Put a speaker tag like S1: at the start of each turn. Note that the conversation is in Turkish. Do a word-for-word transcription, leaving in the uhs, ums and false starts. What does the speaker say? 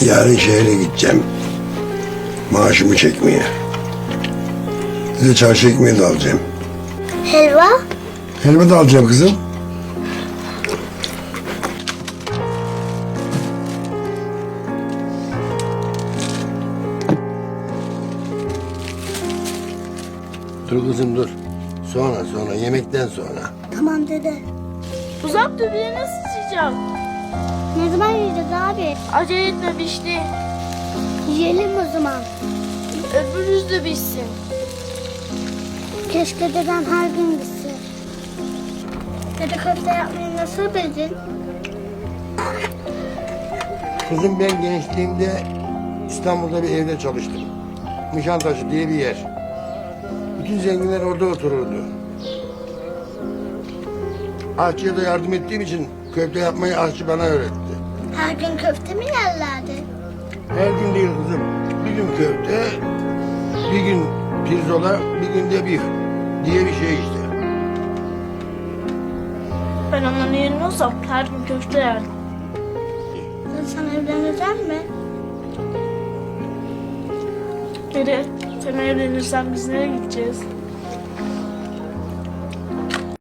S1: Yarın şehre gideceğim. Maaşımı çekmeye. Bir de çarşı ekmeği de alacağım.
S2: Helva?
S1: Helva da alacağım kızım. Dur kızım dur. Sonra sonra yemekten sonra.
S2: Tamam dede.
S3: Uzak dur, biri nasıl sıcak?
S2: Ne zaman yiyeceğiz abi?
S3: Acele etme, pişti.
S2: Yiyelim o zaman.
S3: Öbürünüz de pişsin.
S2: Keşke dedem her gün gitse. Dede köfte yapmayı nasıl bildin?
S1: Kızım ben gençliğimde İstanbul'da bir evde çalıştım. Nişantaşı diye bir yer. Bütün zenginler orada otururdu. Aşçıya da yardım ettiğim için köfte yapmayı aşçı bana öğretti.
S2: Her gün köfte mi yerlerdi?
S1: Her gün değil kızım. Bir gün köfte, bir gün pirzola, bir gün de bif diye bir şey işte.
S3: Ben onların yerine olsam her gün köfte yerdim.
S2: Dede sen evlenecek mi?
S3: Dede, sen evlenirsen biz nereye gideceğiz?